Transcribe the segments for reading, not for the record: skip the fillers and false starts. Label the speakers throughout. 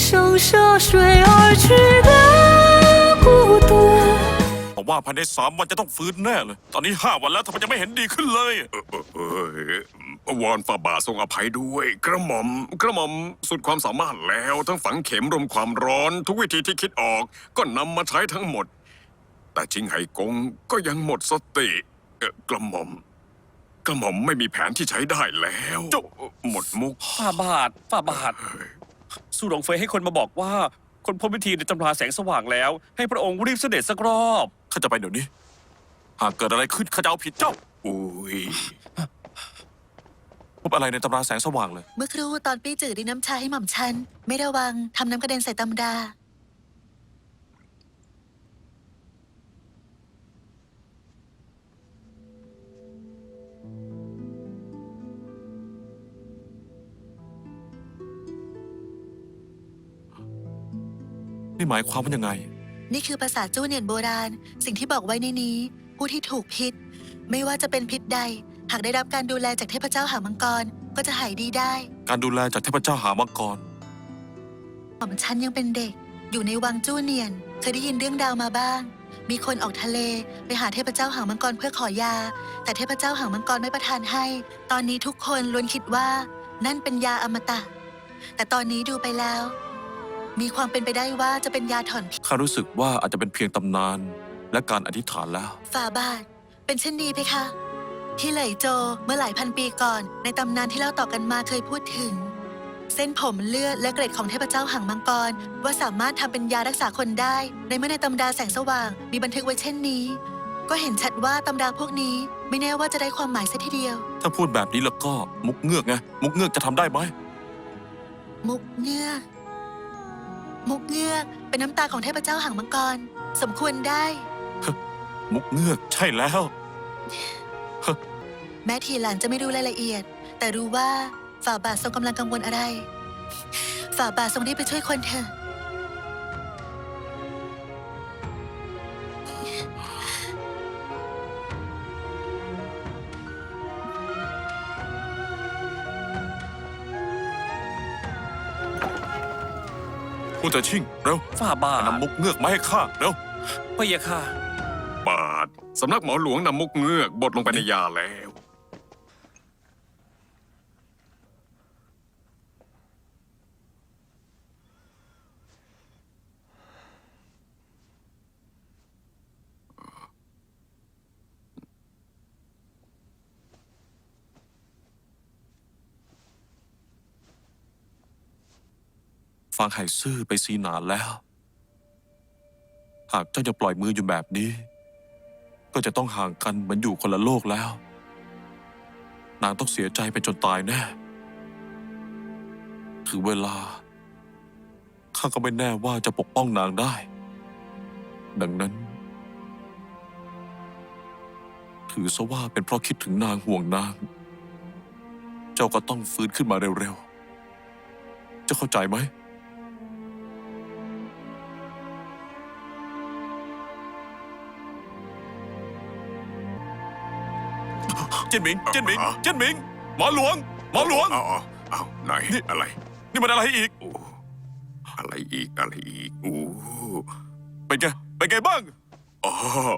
Speaker 1: 像涉水而去的孤独。
Speaker 2: ผมว่าภายใน3 วันจะต้องฟื้นแน่เลย ตอนนี้5 วันแล้วทำไมยังไม่เห็นดีขึ้นเลย
Speaker 3: วอนฝ่าบาททรงอภัยด้วย กระหม่อมสุดความสามารถแล้วทั้งฝังเข็มรมความร้อนทุกวิธีที่คิดออก ก็นำมาใช้ทั้งหมด แต่ชิงไห่กงก็ยังหมดสติกระหม่อมไม่มีแผนที่ใช้ได้แล้วหมดมุก
Speaker 4: ฝ่าบาทสู้หลงเฟยให้คนมาบอกว่า คนพบวิธีในตำราแสงสว่างแล้ว ให้พระองค์รีบเสด็จสักรอบ
Speaker 2: ข้าจะไปเดี๋ยวนี้ หากเกิดอะไรขึ้นข้าจะเอาผิดเจ้า
Speaker 3: อุ้ย
Speaker 2: พบอะไรในตำราแสงสว่างเลย
Speaker 5: เมื่อครู่ตอนปี้จืดดินน้ำชาให้หม่อมฉัน ไม่ระวังทำน้ำกระเด็นใส่ตำดา
Speaker 2: นี่หมายความว่ายังไง
Speaker 5: นี่คือภาษาจู้เนียนโบราณ สิ่งที่บอกไว้ในนี้ ผู้ที่ถูกพิษ ไม่ว่าจะเป็นพิษใด หากได้รับการดูแลจากเทพเจ้าหางมังกร ก็จะหายดีได้
Speaker 2: การดูแลจากเทพเจ้าหามังกร
Speaker 5: หม่อมฉันยังเป็นเด็ก อยู่ในวังจู้เนียน เคยได้ยินเรื่องดาวมาบ้าง มีคนออกทะเลไปหาเทพเจ้าหางมังกรเพื่อขอยา แต่เทพเจ้าหางมังกรไม่ประทานให้ ตอนนี้ทุกคนล้วนคิดว่า นั่นเป็นยาอมตะ แต่ตอนนี้ดูไปแล้ว มีความเป็นไปได้ว่าจะเป็นยาถอนพิษ
Speaker 2: ข้ารู้สึกว่าอาจจะเป็นเพียงตำนานและการอธิษฐานแล้ว
Speaker 5: ฝ่าบาท เป็นเช่นนี้เพคะ ที่เหลยโจเมื่อหลายพันปีก่อน ในตำนานที่เล่าต่อกันมาเคยพูดถึง เส้นผมเลือดและเกร็ดของเทพเจ้าหางมังกร ว่าสามารถทำเป็นยารักษาคนได้ ในเมื่อในตำราแสงสว่างมีบันทึกไว้เช่นนี้ ก็เห็นชัดว่าตำราพวกนี้ไม่แน่ว่าจะได้ความหมายซะทีเดียว
Speaker 2: ถ้าพูดแบบนี้แล้วก็มุกเงือกไง มุกเงือกจะทำได้ไหม
Speaker 5: มุกเงือก มุกเงือกเป็นน้ำตาของเทพเจ้าหางมังกร สมควรได้
Speaker 2: มุกเงือกใช่แล้ว
Speaker 5: แม้ทีหลังจะไม่รู้รายละเอียด แต่รู้ว่าฝ่าบาททรงกำลังกังวลอะไร ฝ่าบาททรงรีบไปช่วยคนเถอะ
Speaker 2: ผู้แต่ชิ่งเร็ว
Speaker 4: ฝ่าบาท
Speaker 2: นำมุกเงือกมาให้ข้าเร็ว
Speaker 4: พะยะค่ะ
Speaker 3: บาทสำนักหมอหลวงนำมุกเงือกบดลงไปในยาแล้ว
Speaker 2: ฟังไห่ซื่อไปซีนานแล้ว หากเจ้ายังปล่อยมืออยู่แบบนี้ ก็จะต้องห่างกันเหมือนอยู่คนละโลกแล้ว นางต้องเสียใจไปจนตายแน่ ถึงเวลา ข้าก็ไม่แน่ว่าจะปกป้องนางได้ ดังนั้น ถือซะว่าเป็นเพราะคิดถึงนางห่วงนาง เจ้าก็ต้องฟื้นขึ้นมาเร็วๆ เจ้าเข้าใจไหม เจนหมิง เจนหมิง เจนหมิง หมอหลวง หมอหลวง
Speaker 3: เอาไหน
Speaker 2: นี่
Speaker 3: อะไร
Speaker 2: นี่มันอะไรอีก
Speaker 3: โอ้อะไรอีกอะไรอีกโอ้
Speaker 2: เป็นไง เป็นไงบ้าง
Speaker 3: อ๋อ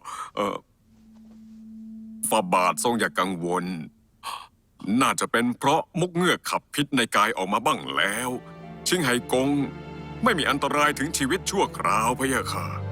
Speaker 3: ฝ่าบาททรงอย่ากังวล น่าจะเป็นเพราะมุกเงือกขับพิษในกายออกมาบ้างแล้ว ชิงไห่กงไม่มีอันตรายถึงชีวิตชั่วคราวพะยะค่ะ